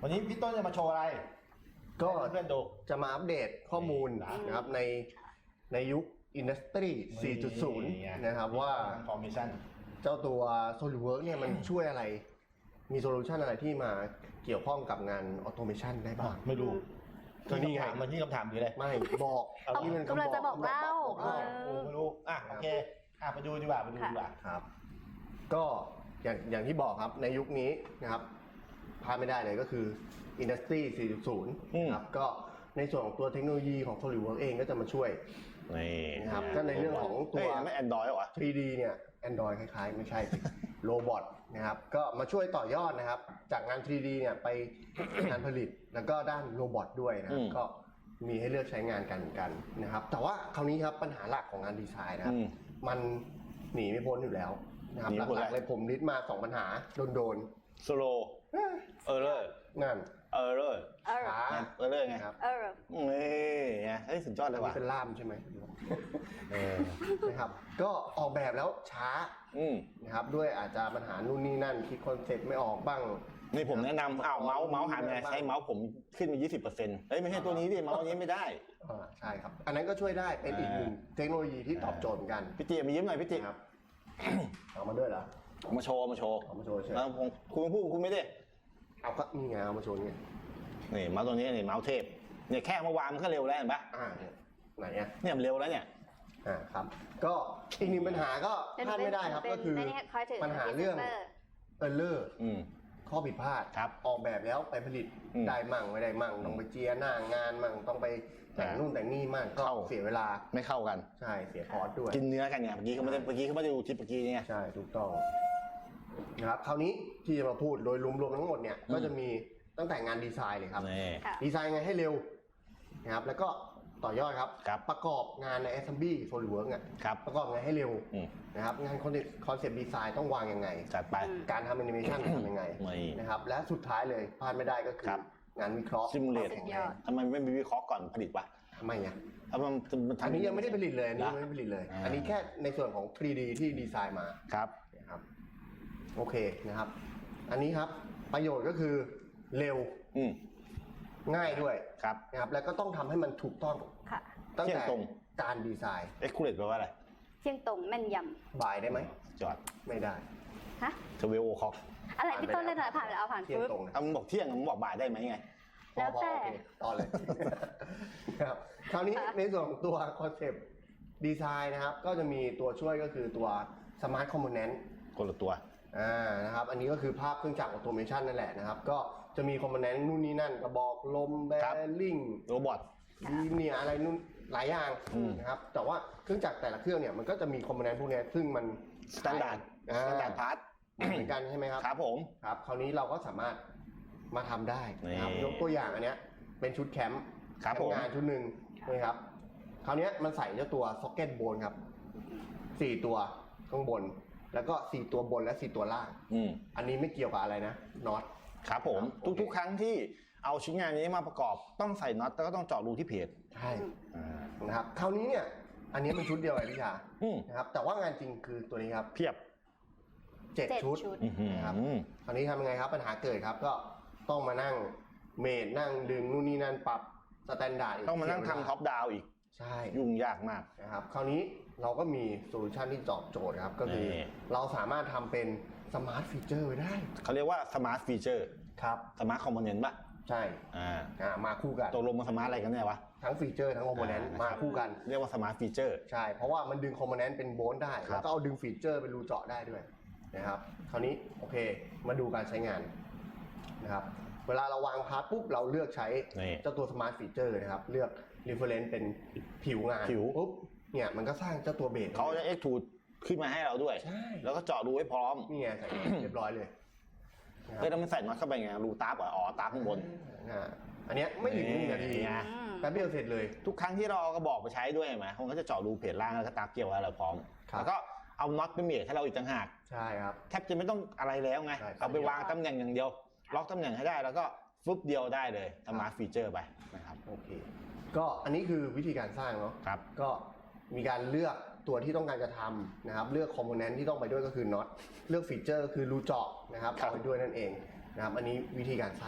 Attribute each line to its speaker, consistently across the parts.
Speaker 1: วันนี้พี่ต้นจะมาโชว์อะไร
Speaker 2: ก็
Speaker 1: เพื่อนดู
Speaker 2: จะมาอัปเดตข้อมูลนะครับในยุค Industry 4.0 นะครับว่า
Speaker 1: Transformation
Speaker 2: เจ้าตัว SolidWorks เนี่ยมันช่วยอะไรมีโซลูชันอะไรที่มาเกี่ยวข้องกับงาน Automation ได้บ้าง
Speaker 1: ไม่รู้
Speaker 2: ก็นี่ไง
Speaker 1: มันที่คำถามคืออะไร
Speaker 2: ไม่บอก
Speaker 3: นี่มันกำลังจะบอกเล่า
Speaker 1: ไม่รู้โอเคไปดูดีกว่า
Speaker 2: ครับก็อย่างที่บอกครับในยุคนี้นะครับพลาดไม่ได้เลยก็คือ Industry 4.0 ครับก็ในส่วนของตัวเทคโนโลยีของ SolidWorks เองก็จะมาช่วยนะครับก็ในเรื่องของตัว
Speaker 1: ไม่ Android หรอ
Speaker 2: 3D เนี่ย Android คล้ายๆไม่ใช่โรบอทนะครับก็มาช่วยต่อยอดนะครับจากงาน 3D เนี่ยไปงานผลิตแล้วก็ด้านโรบอทด้วยนะครับก็มีให้เลือกใช้งานกันเหมือนกันนะครับแต่ว่าคราวนี้ครับปัญหาหลักของงานดีไซน์นะครับมันหนีไม่พ้นอยู่แล้วนะครับหลักๆเลยผมลิสต์มา2ปัญหาโดน
Speaker 1: สโลว์
Speaker 2: นั่น
Speaker 1: ช้าไง
Speaker 2: ครับ
Speaker 1: นี่สุดยอดเลยว่ะ
Speaker 2: เป็นล่ามใช่ไหมนะครับก็ออกแบบแล้วช้านะครับด้วยอาจจะปัญหานู่นนี่นั่นคิดคอนเซ็ปต์ไม่ออกบ้าง
Speaker 1: นี่ผมแนะนำเมาส์หันไงใช้เมาส์ผมขึ้นมา 20%ไม่ใช่ตัวนี้ดิเมาส์นี้ไม่ได้
Speaker 2: ใช่ครับอันนั้นก็ช่วยได้เป็นอีกหนึ่งเทคโนโลยีที่ตอบโจทย์กัน
Speaker 1: พี่จีมายิ้มหน่อยพี่จี
Speaker 2: ครับเอามาด้วยเหรอ
Speaker 1: มาโชว์
Speaker 2: ใช่
Speaker 1: คุณพูดคุณไม่ได้
Speaker 2: เอาก็นี่ไงเอามาโชว์นี่
Speaker 1: เมาส์ตัวนี้นี่เมาส์เทพเนี่ยแค่เมื่อวานมันก็เร็วแล้วเห็นปะ
Speaker 2: ไหน
Speaker 1: เนี่ยมันเร็วแล้วเนี่ย
Speaker 2: ครับก็อีกหนึ่งปัญหาก็พลาดไม่ได้ครับก็คือปัญหาเรื่องข้อผิดพลาดออกแบบแล้วไปผลิตได้มั่งไม่ได้มั่งต้องไปเจียหน้างานมั่งต้องไปแต่งนู่นแต่งนี่มั่งก็เสียเวลา
Speaker 1: ไม่เข้ากัน
Speaker 2: ใช่เสียคอร์สด้วย
Speaker 1: กินเนื้อกันเนี่ยเมื่อกี้เขาไม่ได้ดูคลิปเมื่อกี้เนี่ย
Speaker 2: ใช่ถูกต้องนะครับคราวนี้ที่จะมาพูดโดยรวมๆทั้งหมดเนี่ยก็จะมีตั้งแต่งานดีไซน์เลยครับดีไซน์ไงให้เร็วนะครับแล้วก็ต่อยอดครับประกอบงานใน Assembly SolidWorks ประกอบงานให้เร็วนะครับงานคอนเซปต์ดีไซน์ต้องวางยังไง
Speaker 1: จัดไป
Speaker 2: การทำแอนิเมชันทำยังไงนะครับและสุดท้ายเลยพลาดไม่ได้ก็คืองานวิเคราะห์
Speaker 1: ซิมูเลตทำไมไม่มีวิเคราะห์ก่อนผลิตวะ
Speaker 2: ทำไมอ่ะ
Speaker 1: อั
Speaker 2: นนี้ยังไม่ได้ผลิตเลยอันนี้ไม่ผลิตเลยอันนี้แค่ในส่วนของ 3D ที่ดีไซน์มานะครับโอเคนะครับอันนี้ครับประโยชน์ก็คือเร็วง่ายด้วยนะครับแล้วก็ต้องทำให้มันถูกต้องตั้งแต่การดีไซน์
Speaker 1: accurate แปลว่าอะไร
Speaker 3: เที่ยงตรงแม่นย
Speaker 2: ำบ่ายได้ไหม
Speaker 1: จอด
Speaker 2: ไม่ได้
Speaker 3: ฮะ
Speaker 1: เทเวลคอก
Speaker 3: อะไรพี่ต้นเลยหน่อยผ่านแล้วผ่าน
Speaker 2: ปึ๊บ
Speaker 1: มึงบอกเที่ยงมึงบอกบ่ายได้ไหมไง
Speaker 3: แล้วแต่
Speaker 2: ต่อเลยครับคราวนี้ในส่วนของตัวคอนเซปต์ดีไซน์นะครับก็จะมีตัวช่วยก็คือตัว Smart Component
Speaker 1: คนละตัว
Speaker 2: นะครับอันนี้ก็คือภาพเครื่องจักรออโตเมชันนั่นแหละนะครับก็จะมีคอมโพเนนต์นู่นนี่นั่นกระบอกลมแบริ่ง
Speaker 1: โรบอท
Speaker 2: เนี่ยอะไรนู่นหลายอย่างนะครับแต่ว่าเครื่องจักรแต่ละเครื่องเนี่ยมันก็จะมีคอมโพเนนต์พวกนี้ซึ่งมัน
Speaker 1: สแตนดาร์ดพาร์ท
Speaker 2: เหมือนกันใช่ไหมครับ
Speaker 1: ครับผม
Speaker 2: ครับคราวนี้เราก็สามารถมาทำได้นะครับยกตัวอย่างอันเนี้ยเป็นชุดแคมป์งานชุดหนึ่งนะครับคราวนี้มันใส่เจ้าตัวซ็อกเก็ตโบนครับ4ตัวข้างบนแล้วก็4ตัวบนและ4ตัวล่างอันนี้ไม่เกี่ยวกับอะไรนะน็อต
Speaker 1: ครับผมทุกครั้งที่เอาชิ้นงานนี้มาประกอบต้องใส่น็อตแล้วก็ต้องเจาะรูที่เพจ
Speaker 2: ใช่นะครับคราวนี้เนี่ยอันนี้เป็นชุดเดียวไอ้พี่ชานะครับแต่ว่างานจริงคือตัวนี้ครับ
Speaker 1: เพียบ
Speaker 2: 7ชุดนะครับคราวนี้ทำยังไงครับปัญหาเกิดครับก็ต้องมานั่งเมทนั่งดึงนู่นนี่นั่นปรับสแตนดาร์ด
Speaker 1: ต้องมานั่งทำท็อปดาวอีก
Speaker 2: ใช่
Speaker 1: ยุ่งยากมาก
Speaker 2: นะครับคราวนี้เราก็มีโซลูชันที่ตอบโจทย์ครับก็คือเราสามารถทำเป็นสมาร์ทฟีเจอร์ไว้ได้
Speaker 1: เขาเรียกว่าสมาร์ทฟีเจอร์
Speaker 2: ครับ
Speaker 1: สมาร์ทคอมโพเนนต์ป่ะ
Speaker 2: ใช่มาคู่กัน
Speaker 1: ตกลงมาสมาร์ทอะไรกันแน่วะ
Speaker 2: ทั้งฟีเจอร์ทั้งคอมโพเนนต์มาคู่กัน
Speaker 1: เรียกว่าสมาร์ทฟีเจอร์
Speaker 2: ใช่เพราะว่ามันดึงคอมโพเนนต์เป็นโบนได้แล้วก็เอาดึงฟีเจอร์เป็นรูเจาะได้ด้วยนะครับคราวนี้โอเคมาดูการใช้งานนะครับเวลาเราวางพาร์ทปุ๊บเราเลือกใช้เจ้าตัวสมาร์ทฟีเจอร์นะครับเลือก reference เป็นผิวงานปุ๊บเนี่ยมันก็สร้างเจ้าตัวเบส
Speaker 1: เขาจะ extrude ขึ้นมาให้เราด้วยแล้วก็เจาะรูให้พร้อม
Speaker 2: นี่ไงใส่เรียบร้อยเลย
Speaker 1: แล้วมันใส่น็อตเข้าไปไงรูตาตาข้างบน
Speaker 2: อันนี้ไม่ถึง1 นาทีแป๊บเดียวเสร็จเลย
Speaker 1: ทุกครั้งที่เราเอากระบอกไปใช้ด้วยไหมเขาก็จะเจาะรูเพจล่างแล้วก็ตาเกี่ยวอะไรพร้อมแล้วก็เอาน็อตไปเมทให้เราอีกต่างหาก
Speaker 2: ใช่ครับ
Speaker 1: แทบจะไม่ต้องอะไรแล้วไงเอาไปวางตำแหน่งอย่างเดียวล็อกตำแหน่งให้ได้แล้วก็ฟึบเดียวได้เลยสมาร์ทฟีเจอร์ไปนะครับ
Speaker 2: โอเคก็อันนี้คือวิธีการสร้างเนาะ
Speaker 1: ครับ
Speaker 2: ก็มีการเลือกตัวที่ต้องการจะทำนะครับเลือกคอมโพเนนต์ที่ต้องไปด้วยก็คือน็อตเลือกฟีเจอร์คือรูเจาะนะครับเอาไปด้วยนั่นเองนะครับอันนี้วิธีการสร้าง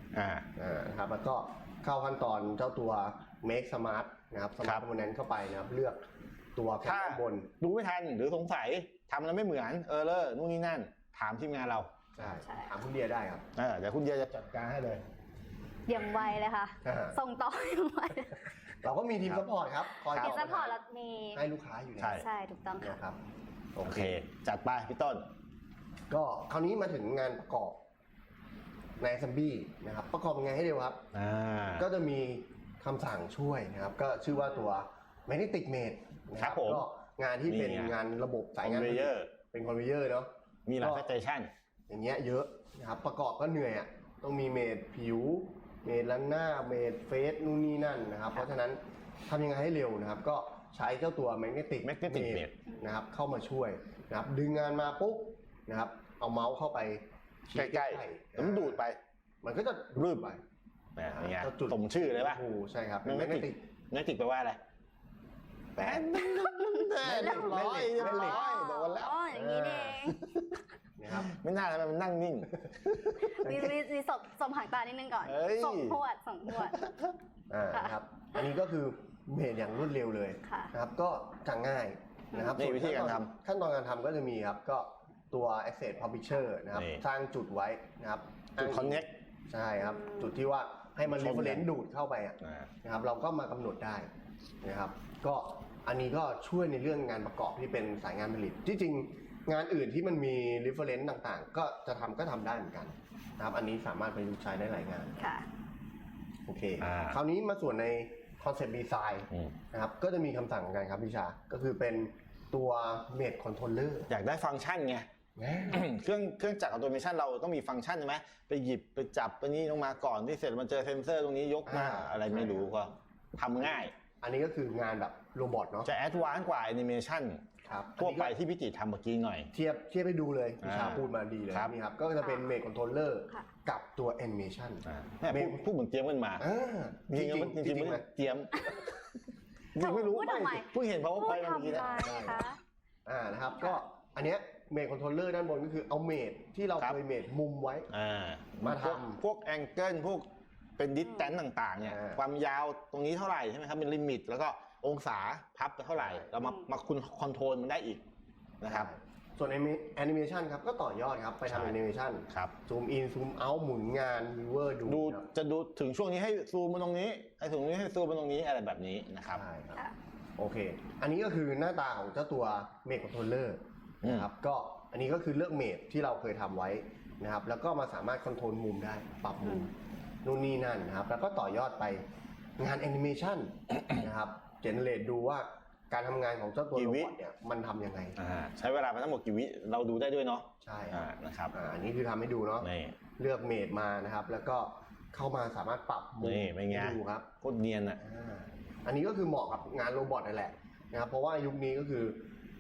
Speaker 2: นะครับแล้วก็เข้าขั้นตอนเจ้าตัว make smart นะครับ smart component เข้าไปนะครับเลือกตัวแผ่นด้านบน
Speaker 1: ดูไม่ทันหรือสงสัยทำแล้วไม่เหมือนนู่นนี่นั่นถามทีมงานเรา
Speaker 2: ใช่ถามคุณเดียได้ครับ
Speaker 1: เดี๋ยวคุณเดียจะจัดการให้เลย
Speaker 3: อย่างไวเลยค่ะ ส่งต่ออย่างไว
Speaker 2: เราก็มีทีมซัพพอร์ตครับคอย
Speaker 3: ทีมซัพพอร์ตเรามี
Speaker 2: ให้ลูกค้าอยู่แล้ว
Speaker 3: ใช่ถูกต้องค่ะ
Speaker 2: นะครับ
Speaker 1: โอเคจัดไปพี่ต้น
Speaker 2: ก็คราวนี้มาถึงงานประกอบใน Assembly นะครับประกอบยังไงให้เร็วครับก็จะมีคำสั่งช่วยนะครับก็ชื่อว่าตัว Magnetic Mate นะครับก็งานที่เป็นงานระบบสายงานเป็นคอนเวเยอร์เนาะ
Speaker 1: มีหลายสเตชัน
Speaker 2: อย่างเงี้ยเยอะนะครับประกอบก็เหนื่อยต้องมีเมดผิวเมดลันหน้าเมดเฟสนู่นนี่นั่นนะครับเพราะฉะนั้นทำยังไงให้เร็วนะครับก็ใช้เจ้าตัว Magnetic Mate นะครับเข้ามาช่วยนะครับดึงงานมาปุ๊บนะครับเอาเมาส์เข้าไป
Speaker 1: ใกล้ๆแล้วมันดูดไป
Speaker 2: มันก็จะ
Speaker 1: รืบไปอย่างเงี้ยสมชื่อเลยป่ะ
Speaker 2: ใช่ครับ
Speaker 1: Magnetic แปลว่าอะไรแปลเรียบร้อยโดนแล้ว
Speaker 3: อย่างนี้เอง
Speaker 2: นะครับ
Speaker 1: ไม่น่าเลยมันนั่งนิ่ง
Speaker 3: มีสมหางตานิดนึงก่อนส่งพวด
Speaker 2: นะครับอันนี้ก็คือเมดอย่างรวดเร็วเลยนะครับก็จะง่ายนะครับ
Speaker 1: นี่วิธีการทำ
Speaker 2: ขั้นตอนการทำก็จะมีครับก็ตัว Access Publisher นะครับสร้างจุดไว้นะครับ
Speaker 1: จุด Connect
Speaker 2: ใช่ครับจุดที่ว่าให้มัน reference ดูดเข้าไปนะครับเราก็มากำหนดได้นะครับก็อันนี้ก็ช่วยในเรื่องงานประกอบที่เป็นสายงานผลิตที่จริงงานอื่นที่มันมี reference ต่างๆก็จะทำได้เหมือนกันนะครับอันนี้สามารถประยุกต์ใช้ได้หลายงานโอเคคราวนี้มาส่วนใน Concept Design นะครับก็จะมีคำสั่งกันครับพี่ชาก็คือเป็นตัว Mate Controller
Speaker 1: อยากได้ฟังก์ชันไงเครื่องจักรออโตเมชันเราต้องมีฟังก์ชันใช่ไหมไปหยิบไปจับไปนี้ลงมาก่อนที่เสร็จมันเจอเซนเซอร์ตรงนี้ยกมาอะไรไม่รู้ก็ทำง่าย
Speaker 2: อันนี้ก็คืองานแบบโรบอทเนาะ
Speaker 1: จะแอดวานซ์กว่าแอนิเมชันทั่วไปที่พี่จิทำเมื่อกี้หน่อย
Speaker 2: เทียบให้ดูเลยพี่ชาพูดมาดีเลยนี่ครับก็จะเป็นเมดคอนโทรลเลอร์กับตัวแอนิเมชัน
Speaker 1: พูดเหมือนเตรียมกันมาจริงไม่เตรียมจริงไม่รู้เพิ่งเห็นเพราะว่าไปเมื่อกี้
Speaker 2: นะครับก็อันเนี้ยเมดคอนโทรลเลอร์ด้านบนก็คือเอาเมดที่เราเคยเมดมุมไว้มาท
Speaker 1: ำพวกแองเกิลพวกเป็นดิสแทนซ์ต่างๆเนี่ยความยาวตรงนี้เท่าไหร่ใช่ไหมครับเป็นลิมิตแล้วก็องศาพับไปเท่าไหร่เรามาคุณคอนโทรลมันได้อีกนะครับ
Speaker 2: ส่วนแอนิเมชันครับก็ต่อยอดครับไปทำแอนิเมชันซูมอินซูมเอาท์หมุนงานวิวเวอร์ดู
Speaker 1: จะดูถึงช่วงนี้ให้ซูมมาตรงนี้ให้ถึงนี้ให้ซูมมาตรงนี้อะไรแบบนี้นะครับ
Speaker 2: โอเคอันนี้ก็คือหน้าตาของเจ้าตัวเมดคอนโทรลเลอร์นะครับก็อันนี้ก็คือเลือกเมดที่เราเคยทำไว้นะครับแล้วก็มาสามารถคอนโทรลมุมได้ปรับมุมนู่นนี่นั่นนะครับแล้วก็ต่อยอดไปงานแอนิเมชันนะครับเจเนเรตดูว่าการทำงานของเจ้าตัวโรบอทเนี่ยมันทำยังไง
Speaker 1: ใช้เวลาไปทั้งหมดกี่วิเราดูได้ด้วยเนาะ
Speaker 2: ใช่
Speaker 1: นะครับ
Speaker 2: อันนี้คือทำให้ดูเนาะเลือกเมดมานะครับแล้วก็เข้ามาสามารถปรับมุมให้ดูครับ
Speaker 1: โคตรเนียน
Speaker 2: อันนี้ก็คือเหมาะกับงานโรบอทนั่นแหละนะครับเพราะว่ายุคนี้ก็คือ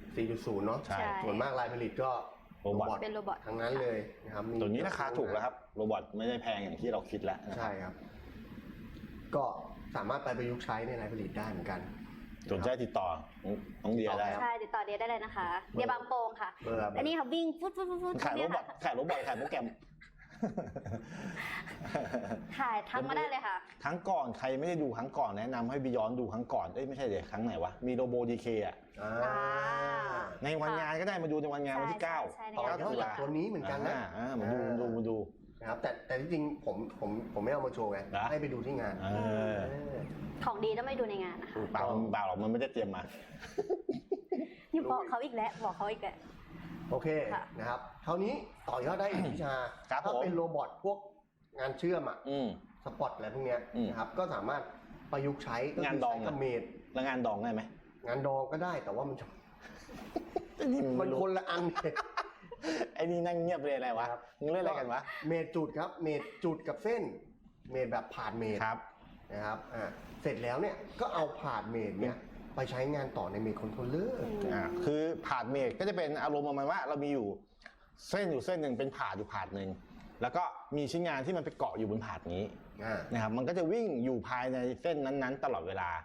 Speaker 2: 4.0 เนาะส่วนมากรายผลิตก็โรบอท
Speaker 3: เป็นโรบอท
Speaker 2: ทั้งนั้นเลยนะครับ
Speaker 1: ตัวนี้ราคาถูกแล้วครับโรบอทไม่ได้แพงอย่างที่เราคิดแล้ว
Speaker 2: ใช่ครับก็สามารถไปประยุกต์ใช้ในรายผลิตได้เหมือนกัน
Speaker 1: สนใจติดต่อน้องเดียได้
Speaker 3: ใช่ติดต่อเดียได้เลยนะคะเดียบางโป่งค่ะอันนี้ค่ะวิ่งฟุด
Speaker 1: ขายโรบอทขายโปรแกรม
Speaker 3: ถ่ายทั้งมาได้เลยค่ะ
Speaker 1: ครั้งก่อนใครไม่ได้ดูครั้งก่อนแนะนำให้ไปย้อนดูครั้งก่อนไม่ใช่เดี๋ยวครั้งไหนวะมีโรโบดีเคในวันงานก็ได้มาดูในวันงานวันที่9
Speaker 2: ต่อยอดจากตัวนี้เหมือนกันนะ
Speaker 1: มาดู
Speaker 2: นะครับแต่ที่จริงผมไม่เอามาโชว์ไงให้ไปดูที่งาน
Speaker 3: ของดีต้องไม่ดูในงานนะคะ
Speaker 1: เปล่าหรอกมันไม่ได้เตรียมมา
Speaker 3: นี่บอกเขาอีกแล้ว
Speaker 2: โอเคนะครับเท่านี้ต่อยอดได้อีกวิชาถ้าเป็นโรบอทพวกงานเชื่อมสปอตอะไรพวกเนี้ยนะครับก็สามารถประยุกต์ใช้
Speaker 1: งานดอง
Speaker 2: กับเมด
Speaker 1: แล้วงานดองได้ไหม
Speaker 2: งานดองก็ได้แต่ว่ามันคนละอัน
Speaker 1: ไอ้นี่นั่งเงียบเลยอะไรวะมึงเล่นอะไรกันวะ
Speaker 2: เมดจุดครับเมดจุดกับเส้นเมดแบบผ่านเมดนะครับเสร็จแล้วเนี่ยก็เอาผ่านเมดเนี่ยไปใช้งานต่อในเมดคอนโทรลเลอร์
Speaker 1: คือผ่านเมดก็จะเป็นอารมณ์ประมาณว่าเรามีอยู่เส้นหนึ่งเป็นผ่านอยู่ผ่านหนึ่งแล้วก็มีชิ้นงานที่มันไปเกาะอยู่บนผ่านนี้นะครับมันก็จะวิ่งอยู่ภายในเส้นนั้นๆตลอดเวลา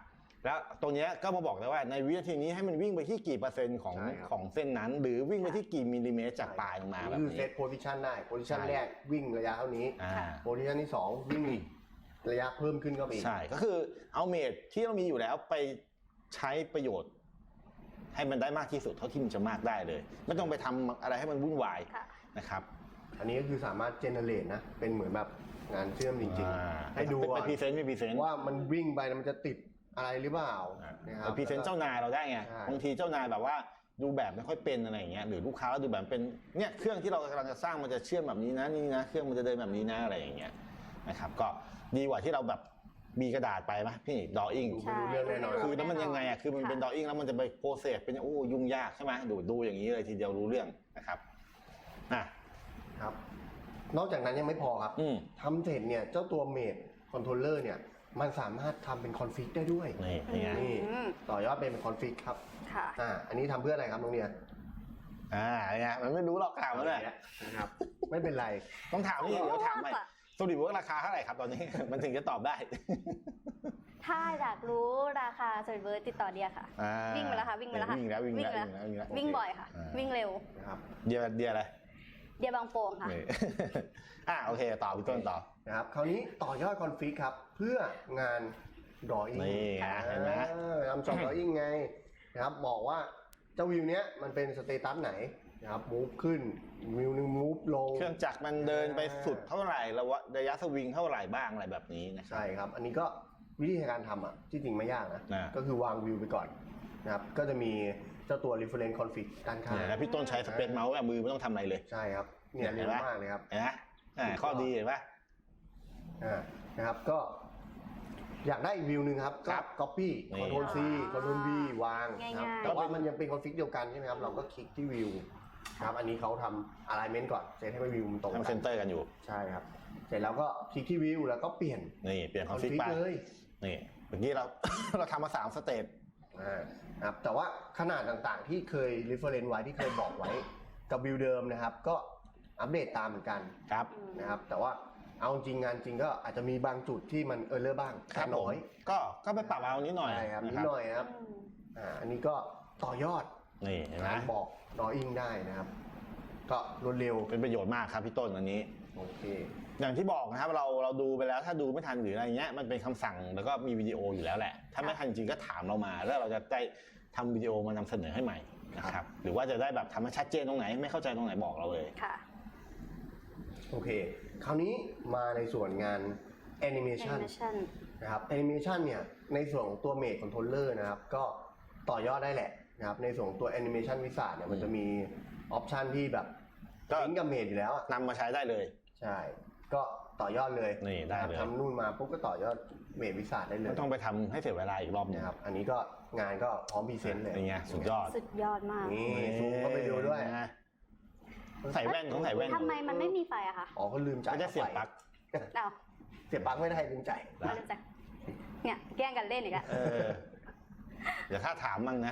Speaker 1: แล้วตรงเนี้ยก็มาบอกได้ว่าในวินาทีนี้ให้มันวิ่งไปที่กี่เปอร์เซ็นต์ของ
Speaker 2: ใช่ครับ
Speaker 1: ของเส้นนั้น หรือวิ่งไปที่กี่มิลลิเมตรจากปลายลงมาแบบ
Speaker 2: คือเซ
Speaker 1: นี้
Speaker 2: ตโพซิชันได้โพซิชัน
Speaker 1: ใช่
Speaker 2: แรกวิ่งระยะเท่านี้
Speaker 1: อ่า
Speaker 2: โพซิชันที่2วิ่งอีกระยะเพิ่มขึ้นก็ไปอีก
Speaker 1: ใช่ก็คือเอาเมทที่เรามีอยู่แล้วไปใช้ประโยชน์ ให้มันได้มากที่สุดเท่าที่มันจะมากได้เลย ไม่ต้องไปทำอะไรให้มันวุ่นวาย
Speaker 3: ค่ะ
Speaker 1: นะครับ
Speaker 2: อันนี้ก็คือสามารถเจเนเรตนะเป็นเหมือนแบบงานเชื่อมจริง
Speaker 1: อ่า
Speaker 2: ๆ ให้ดู
Speaker 1: ไปพรีเซนต์ไปพรีเซนต์
Speaker 2: ว่ามันวิ่งไปมันจะติดอะไรหรือเปล่านะครับ
Speaker 1: ไปพรีเซนต์เจ้านายเราได้ไง
Speaker 2: ใช่
Speaker 1: บางทีเจ้านายแบบว่าดูแบบไม่ค่อยเป็นอะไรอย่างเงี้ยหรือลูกค้าเราดูแบบเป็นเนี่ยเครื่องที่เรากำลังจะสร้างมันจะเชื่อมแบบนี้นะนี่นะเครื่องมันจะเดินแบบนี้นะอะไรอย่างเงี้ยนะครับก็ดีกว่าที่เราแบบมีกระดาษไปไหมพี่ดออิ่ง
Speaker 3: ใช่
Speaker 2: ไม่รู้เรื่องแน่นอน
Speaker 1: คือแล้วมันยังไงอ่ะคือมันเป็นดออิ่งแล้วมันจะไปโปรเซสเป็นโอ้ยุ่งยากใช่ไหมดูอย่างนี้เลยทีเดียวรู้เรื่องนะครับอ่ะ
Speaker 2: ครับ นอกจากนั้นยังไม่พอครับ
Speaker 1: อืม
Speaker 2: ทำเสร็จเนี่ยเจ้าตัวเมดคอนโทรลเลอร์เนี่ยมันสามารถทำเป็นคอนฟิกได้ด้วย
Speaker 1: นี่ไง
Speaker 2: นี่ต่อยอดเป็นคอนฟิกครับ
Speaker 3: ค่ะ
Speaker 2: อันนี้ทำเพื่ออะไรครับน้องเนี่ย
Speaker 1: ไงมันไม่รู้หรอกถามมันเลย
Speaker 2: นะครับ ไม่เป็นไร
Speaker 1: ต้องถามนี่เดี๋ยวถามใหม่
Speaker 3: โอ้โห
Speaker 1: สรุปว่าราคาเท่าไหร่ครับตอนนี้ มันถึงจะตอบได้
Speaker 3: ถ้าอยากรู้ราคาสวิตเบิร์ดติดต่อเดียค่ะ วิ่งไปแล้วค่ะวิ่งไปแล้วค่ะ
Speaker 1: วิ่งแล้ว
Speaker 3: วิ่งบ่อยค่ะ วิ่งเร็ว
Speaker 2: นะครับ
Speaker 1: เดียอะไร
Speaker 3: เดียบางโป่งค่ะ
Speaker 1: นี่ โอเคต่อพี่ต้นต่อ
Speaker 2: นะครับ คราวนี้ต่อยอดคอนฟิกครับ เพื่องานดออิ่ง
Speaker 1: นี่ไงเห็นไหม
Speaker 2: ทำจอบดออิ่งไงนะครับบอกว่าเจ้าวิวเนี้ยมันเป็นสเตตัสไหนนะครับมูฟขึ้นวิวนึงมูฟลง
Speaker 1: เครื่องจักรมันเดินไปสุดเท่าไหร่ระยะสวิงเท่าไหร่บ้างอะไรแบบนี้นะครับ
Speaker 2: ใช่ครับ อันนี้ก็วิธีการทำอ่ะที่จริงไม่ยากนะ
Speaker 1: อ่า
Speaker 2: ก็คือวางวิวไปก่อนนะครับ ก็จะมีเจ้าตัว reference config ด้านข้าง
Speaker 1: เนี่ยแล้วพี่ต้นใช้สเปซเมาส์แบบมือไม่ต้องทำอะไรเลย
Speaker 2: ใช่ครับ เนี่ย
Speaker 1: เห็
Speaker 2: เร็
Speaker 1: น
Speaker 2: ว
Speaker 1: ไหม
Speaker 2: มากเลยครับ
Speaker 1: เห็นไหมข้อดีเห็นปะ
Speaker 2: นะครับ ก็อยากได้อีกวิวหนึ่งครับ ก็
Speaker 1: ครับ
Speaker 2: copy
Speaker 1: นี่
Speaker 2: control C control V วางนะครับ
Speaker 3: ง่ายๆ
Speaker 2: แต่ว่ามันยังเป็น config เดียวกันใช่ไหมครับ เราก็คลิกที่วิวนะครับ อันนี้เขาทำ alignment ก่อนเซตให้วิวมันตรง
Speaker 1: ทำ
Speaker 2: กั
Speaker 1: เซ
Speaker 2: น
Speaker 1: นเตอร์กันอยู่
Speaker 2: ใช่ครับ เสร็จแล้วก็คลิกที่วิวแล้วก็เปลี่ยน
Speaker 1: นี่เปลี่ยนคอนฟิก
Speaker 2: config
Speaker 1: ไป
Speaker 2: เลย
Speaker 1: นี่เมื่อกี้เรา เราทำมา3สเตจ
Speaker 2: ครับแต่ว่าขนาดต่างๆที่เคย reference ไว้ที่เคยบอกไว้กับวิวเดิมนะครับ ก็อัปเดตตามเหมือนกัน
Speaker 1: ครับ
Speaker 2: นะครับ แต่ว่าเอาจริงงานจริงก็อาจจะมีบางจุดที่มันเลอร์บ้าง
Speaker 1: ครั
Speaker 2: แต่
Speaker 1: บผม
Speaker 2: น้อย
Speaker 1: ก็ไปปรับเอานิดหน่อย
Speaker 2: ใช่ครับ
Speaker 1: นะ
Speaker 2: นิดหน่อยนะครับ อันนี้ก็ต่อยอด
Speaker 1: นี่เห็นไหม
Speaker 2: การบอกดออิ่งได้นะครับ ก็รวดเร็ว
Speaker 1: เป็นประโยชน์มากครับพี่ต้นอันนี้
Speaker 2: โอเค
Speaker 1: อย่างที่บอกนะครับเราดูไปแล้วถ้าดูไม่ทันหรืออะไรเงี้ยมันเป็นคำสั่งแล้วก็มีวิดีโออยู่แล้วแหละ ถ้าไม่ทันจริงก็ถามเรามาแล้วเราจะได้ทำวิดีโอมานำเสนอให้ใหม่นะครับหรือว่าจะได้แบบทำให้ชัดเจนตรงไหนไม่เข้าใจตรงไหนบอกเราเลย
Speaker 3: ค่ะ
Speaker 2: โอเค คราวนี้มาในส่วนงาน Animation
Speaker 3: Animation
Speaker 2: นะครับ Animation เนี่ยในส่วนของตัว Made Controller นะครับ ก็ต่อยอดได้แหละนะครับ ในส่วนของตัว Animation Wizard เนี่ยมันจะมีออปชันที่แบบ
Speaker 1: ก็
Speaker 2: ลิงก์กับ Made อยู่แล้วอะ
Speaker 1: นำมาใช้ได้เลย
Speaker 2: ใช่ ก็ต่อยอดเลย
Speaker 1: นี่ได้เลย
Speaker 2: ทำนู่นมาปุ๊บก็ต่อยอด Made Wizard ได้เลย
Speaker 1: ไม่ต้องไปทำให้เสียเวลาอีกรอบหนึง
Speaker 2: นะครับ อันนี้ก็งานก็พร้อมพรีเซนต์เลย
Speaker 1: เป็นไงสุดยอด
Speaker 3: สุดยอดมาก
Speaker 2: นี่ซูมก็ไปดูด้วย
Speaker 1: นะใส่แว่นต้องใส่แว่น
Speaker 3: ทำไมมันไม่มีไฟอะคะ
Speaker 2: อ๋อเขาลืมจ่าย
Speaker 1: ไม่ได้เสียบปลั๊ก
Speaker 3: เอา
Speaker 2: เสียบปลั๊กไม่ได้ลืมจ่าย
Speaker 3: มาเลยจ้ะเนี่ยแกล้งกันเล่นอีกอะ
Speaker 1: เดี๋ยวข้าถามมั่งนะ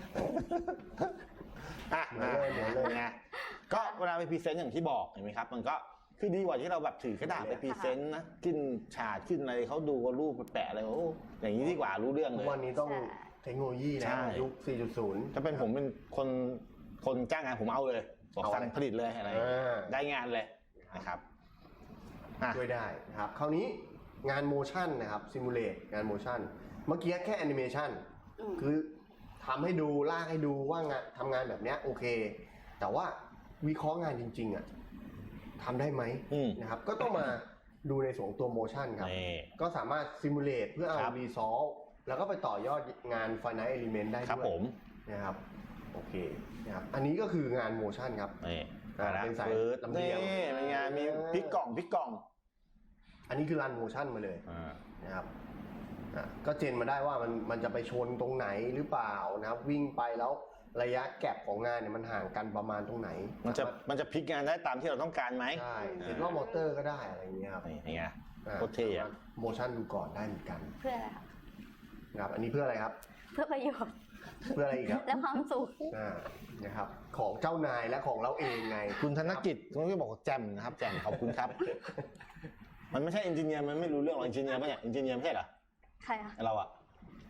Speaker 2: เหมือนเลยเหมือนเลย
Speaker 1: ไงก็เวลาไปพรีเซนต์อย่างที่บอกเห็นไหมครับ มันก็คือดีกว่าที่เราแบบถือกระดาษไปพรีเซนต์นะขึ้นฉากขึ้นอะไรเขาดูว่ารูปแปะอะไรโอ้อย่างนี้ดีกว่ารู้เรื่อง
Speaker 2: ทุ
Speaker 1: เล
Speaker 2: ก
Speaker 1: ย
Speaker 2: วันนี้ต้องเทคโนโลยี
Speaker 1: ใช่
Speaker 2: นะยุค 4.0
Speaker 1: ถ้าเป็นผมเป็นคนจ้างงานผมเอาเลยบอก
Speaker 2: เอา
Speaker 1: สั่ง
Speaker 2: เลย
Speaker 1: ผลิตเลยอะไร ได้งานเลยนะครับอ่ะ
Speaker 2: ช่วยได้นะครับ คราวนี้งานโมชั่นนะครับซิมูเลตงานโมชั่นเมื่อกี้แค่แอนิเมชัน
Speaker 3: ม
Speaker 2: คือทำให้ดูลากให้ดูว่างานทำงานแบบเนี้ยโอเค แต่ว่าวิเคราะห์งานจริงๆอ่ะทำได้ไหม
Speaker 1: อืม
Speaker 2: นะครับ ก็ต้องมาดูในส่วนของตัวโมชั่นครับ
Speaker 1: นี่
Speaker 2: ก็สามารถซิมูเลตเพื่อเอา
Speaker 1: ครับ
Speaker 2: รีซอลแล้วก็ไปต่อยอดงาน Finite Element ได้
Speaker 1: ครับ
Speaker 2: ด้วย
Speaker 1: ผม
Speaker 2: นะครับโอเคนะครับอันนี้ก็คืองานโมชั่นครับ
Speaker 1: นี่
Speaker 2: เป็นสาย
Speaker 1: ฟืด
Speaker 2: ลำเลี
Speaker 1: นี่
Speaker 2: ยง
Speaker 1: เป็นไงมีพลิกกล่อง
Speaker 2: อันนี้คือรันโมชั่นมาเลย
Speaker 1: อ่า
Speaker 2: นะครับก็เจนมาได้ว่ามันจะไปชนตรงไหนหรือเปล่านะครับ วิ่งไปแล้วระยะแก็บของงานเนี่ยมันห่างกันประมาณตรงไหน
Speaker 1: มันจะพลิกงานได้ตามที่เราต้องการไหม
Speaker 2: ใช่เห็นว่ามอเตอร์ก็ได้อะไรอย่างเงี้ยครับ
Speaker 1: นี่ไง โคตรเท่อะ
Speaker 2: โมชั่นดูก่อนได้เหมือนกัน
Speaker 3: เพื่ออะไรคะ
Speaker 2: นะครับอันนี้เพื่ออะไรครับ
Speaker 3: เพื่อประโยชน์
Speaker 2: เพื่ออะไรอีกครับ
Speaker 3: และความสุข
Speaker 2: นะครับของเจ้านายและของเราเองไง
Speaker 1: คุณธนกิจคุณก็บอกว่าแจมนะครับแจมขอบคุณครับ มันไม่ใช่เอนจิเนียร์มันไม่รู้เรื่องหรอกเอนจิเนียร์ปะเนี่ยเอนจิเนียร์ไม่ใช่เหรอ
Speaker 3: ใครอะ
Speaker 1: เราอะ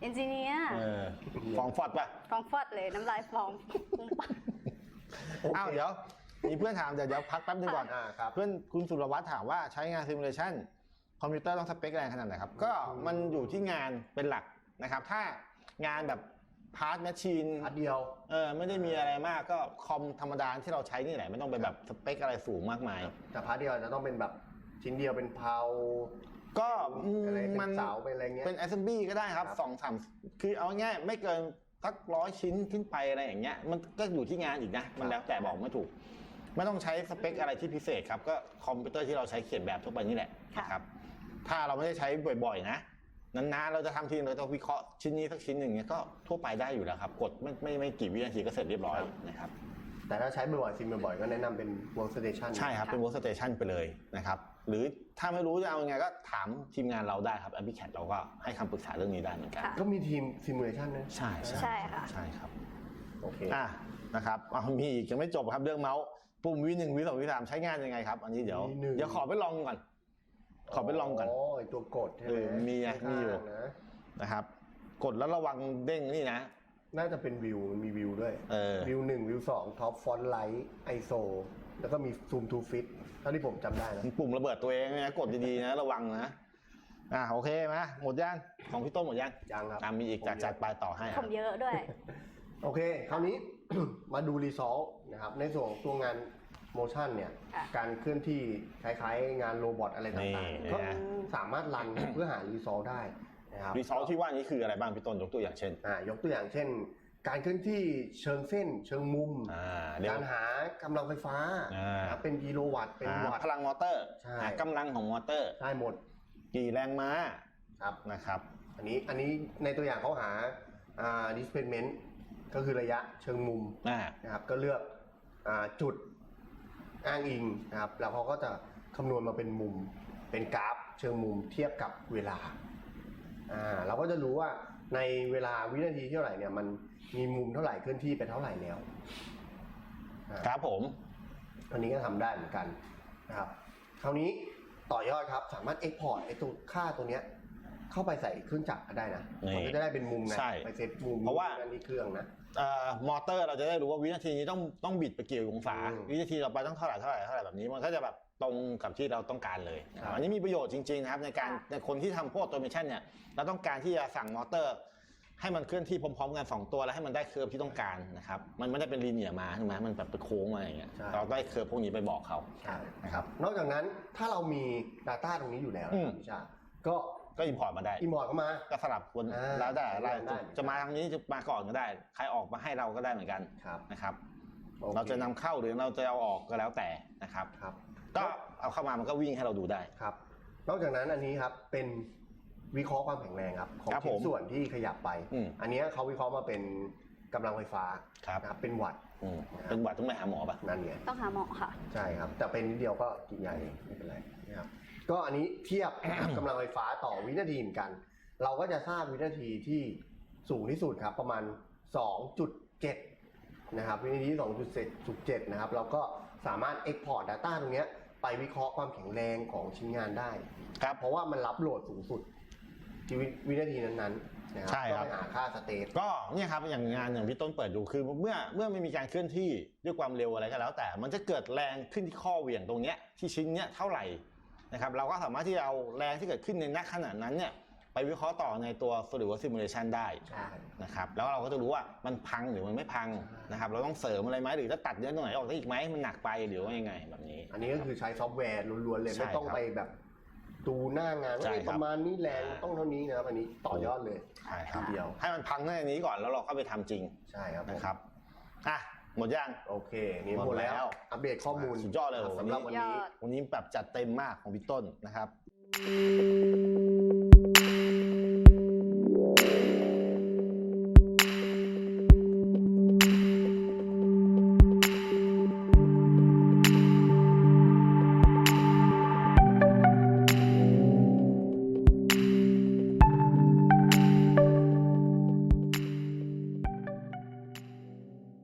Speaker 3: เอนจิเนียร์
Speaker 1: ฟองฟอดป่ะ
Speaker 3: ฟองฟอดเลยน้ำลายฟองปุ้งปัง
Speaker 1: อ้าวเดี๋ยวมีเพื่อนถามเดี๋ยวพักแป๊บนึงก่อน
Speaker 2: ครับ
Speaker 1: เพื่อนคุณสุรวัตรถามว่าใช้งานซิมูเลชันคอมพิวเตอร์ต้องสเปคแรงขนาดไหนครับก็มันอยู่ที่งานเป็นหลักนะครับถ้างานแบบพาร์ทแมชชีน
Speaker 2: อันเดียว
Speaker 1: ไม่ได้มีอะไรมากก็คอมธรรมดาที่เราใช้นี่แหละไม่ต้องไปแบบสเปคอะไรสูงมากมาย
Speaker 2: แต่พาร์ทเดียวจะต้องเป็นแบบชิ้นเดียวเป็นเพา
Speaker 1: ก็
Speaker 2: อะไรเป็
Speaker 1: มัน
Speaker 2: นเสาเป็นอะไรเงี้ย
Speaker 1: เป็น assembly ก็ได้ครับ 2-3 คือเอาง่ายไม่เกินสัก100 ชิ้นขึ้นไปอะไรอย่างเงี้ยมันก็อยู่ที่งานอีกนะมันแล้วแต่บอกไม่ถูกไม่ต้องใช้สเปคอะไรที่พิเศษครับก็คอมพิวเตอร์ที่เราใช้เขียนแบบทั่วไปนี่แหละนะครับถ้าเราไม่ได้ใช้บ่อยๆนะนานๆเราจะทำทีเราจะวิเคราะห์ชิ้นนี้สักชิ้นหนึ่งเนี้ยก็ทั่วไปได้อยู่แล้วครับกดไม่กี่วินาทีก็เสร็จเรียบร้อยนะครับ
Speaker 2: แต่ถ้าใช้บ่อยๆซิมบ่อยๆก็แนะนำเป็น workstation
Speaker 1: ใช่ครับเป็น workstation ไปเลยนะครับหรือถ้าไม่รู้จะเอายังไงก็ถามทีมงานเราได้ครับ AppyCAD เราก็ให้คำปรึกษาเรื่องนี้ได้เหมือนกัน
Speaker 2: ก็มีทีม simulation นะ
Speaker 1: ใช่
Speaker 3: ใช่ค่ะ
Speaker 1: ใช่ครับ
Speaker 2: โอเค
Speaker 1: นะครับมีอีกยังไม่จบครับเรื่องเมาส์ปุ่มV1 V2 V3 ใช้งานยังไงครับอันนี้เดี๋ยวขอไปลองก่อนขอไปลองก่อน
Speaker 2: โอ้ยตัวกดใช่ไหม
Speaker 1: มีอยู่นะครับกดแล้วระวังเด้งนี่นะ
Speaker 2: น่าจะเป็นวิวมีวิวด้วย วิว1วิว2ท็อปฟอนต์ไลท์ไอโซแล้วก็มีซูมทูฟิตเท่าที่ผมจำได้นะ
Speaker 1: ปุ่มระเบิดตัวเองนะกดดีๆนะระวังนะโอเคไหมหมดย่างของพี่ต้นหมดย่าง
Speaker 2: ยังครับ
Speaker 1: มีอีกจัดไปต่อให้
Speaker 3: ผมเยอะด้วย
Speaker 2: โอเคคราวนี้ มาดูรีซอลนะครับในส่วนของตัวงานโมชั่นเนี่ย
Speaker 3: ค่ะ
Speaker 2: การเคลื่อนที่คล้ายๆงานโรบอทอะไรต่างๆก็สามารถรัน เพื่อหารีซอลได้นะครับ
Speaker 1: รีซอลที่ว่านี้คืออะไรบ้างพี่ต้นยกตัวอย่างเช่น
Speaker 2: ยกตัวอย่างเช่น การเคลื่อนที่เชิงเส้น เชิงมุม การหากำลังไฟฟ้านะครับเป็นกิโลวัตต์เป็นวัตต์
Speaker 1: พลังมอเตอร์
Speaker 2: ใช่
Speaker 1: หากำลังของมอเตอร์
Speaker 2: ได้หมด
Speaker 1: กี่แรงม้า
Speaker 2: ครับ
Speaker 1: นะครับ
Speaker 2: อันนี้ในตัวอย่างเขาหาdisplacement ก็คือระยะเชิงมุมนะครับก็เลือกจุดอ้างอิงนะครับแล้วเขาก็จะคำนวณมาเป็นมุมเป็นกราฟเชิงมุมเทียบกับเวลาเราก็จะรู้ว่าในเวลาวินาทีเท่าไหร่เนี่ยมันมีมุมเท่าไหร่เคลื่อนที่ไปเท่าไหร่แล้ว
Speaker 1: ครับผม
Speaker 2: อันนี้ก็ทำได้เหมือนกันนะครับคราวนี้ต่อยอดครับสามารถ export ไอ้ตัวค่าตัวเนี้ยเข้าไปใส่เครื่องจักรก็ได้นะมันก็จะได้เป็นมุมไงไปเซตมุม
Speaker 1: เพราะว่า
Speaker 2: ที่เครื่องนะ
Speaker 1: มอเตอร์เราจะได้รู้ว่าวินาทีนี้ต้องบิดไปกี่องศาวินาทีต่อไปต้องเท่าไหร่แบบนี้มันก็จะแบบตรงกับที่เราต้องการเลยอันนี้มีประโยชน์จริงๆนะครับในคนที่ทำพวกออโตเมชันเนี่ยเราต้องการที่จะสั่งมอเตอร์ให้มันเคลื่อนที่พร้อมๆกัน2ตัวแล้วให้มันได้เคอร์ฟที่ต้องการนะครับมันไม่ได้เป็นลีเนียร์มาใช่ไหมมันแบบเป็นโค้งมาอย่างเงี้ยเราได้เคอร์ฟพวกนี้ไปบอกเขานะครับ
Speaker 2: นอกจากนั้นถ้าเรามี Data ตรงนี้อยู่แล้วพี่ชาก็
Speaker 1: อินพอร์ตมาได้
Speaker 2: อินพอร์ตเข้ามา
Speaker 1: ก็สลับคนแล้วแต่จะมาทางนี้จะมาก่อนก็ได้ใครออกมาให้เราก็ได้เหมือนกันนะครับเราจะนำเข้าหรือเราจะเอาออกก็แล้วแต่นะครับก็เอาเข้ามามันก็วิ่งให้เราดูได้
Speaker 2: ครับนอกจากนั้นอันนี้ครับเป็นวิเคราะห์ความแข็งแรงครับของชิ้นส่วนที่ขยับไปอันนี้เขาวิเคราะห์มาเป็นกำลังไฟฟ้านะครับเป็นวัตต์
Speaker 1: เป็นวัตต์ต้องไปหาหมอป่ะ
Speaker 2: นั่นไง
Speaker 3: ต้องหาหมอค่ะ
Speaker 2: ใช่ครับแต่เป็นนิดเดียวก็กินยาเองไม่เป็นไรนะครับก็อันนี้เทียบ กำลังไฟฟ้าต่อวินาทีเหมือนกันเราก็จะทราบวินาทีที่สูงที่สุดครับประมาณ 2.7 นะครับวินาที 2.7 นะครับเราก็สามารถ export data ตรงนี้ไปวิเคราะห์ความแข็งแรงของชิ้นงานได้ครับเพราะว่ามันรับโหลดสูงสุดที่วินาทีนั้นๆนะครับก็ไปหาค่าสเตท
Speaker 1: ก็เนี่ยครับอย่างงานอย่างพี่ต้นเปิดดูคือเมื่อไม่มีการเคลื่อนที่ด้วยความเร็วอะไรก็แล้วแต่มันจะเกิดแรงขึ้นที่ข้อเหวี่ยงตรงเนี้ยที่ชิ้นเนี้ยเท่าไหร่นะครับเราก็สามารถที่จะเอาแรงที่เกิดขึ้นในณขณะนั้นเนี่ยไปวิเคราะห์ต่อในตัว SolidWorks Simulation ได้นะครับแล้วเราก็จะรู้ว่ามันพังหรือมันไม่พังนะครับเราต้องเสริมอะไรไหมหรือจะตัดเนื้อตรงไหนออกได้อีกไหมมันหนักไปหรือว่ายังไงแบบนี้
Speaker 2: อันนี้ก็คือใช้ซอฟต์แวร์ล้วนๆเลยไม่ต้องไปแบบดูหน้างานว่าประมาณนี้แรงต้องเท่านี้นะครับอันนี้ต่อยอดเลย
Speaker 1: ใช่ครับเดียวให้มันพังในนี้ก่อนแล้วเราเข้าไปทำจริง
Speaker 2: ใช่ครับ
Speaker 1: นะครับหมดยัง
Speaker 2: โอเคนี่หมดแล้วอัปเดตข้อมูล
Speaker 1: สุดยอดเลย
Speaker 2: สำหรับวันนี้
Speaker 1: แบบจัดเต็มมากของพี่ต้นนะครับ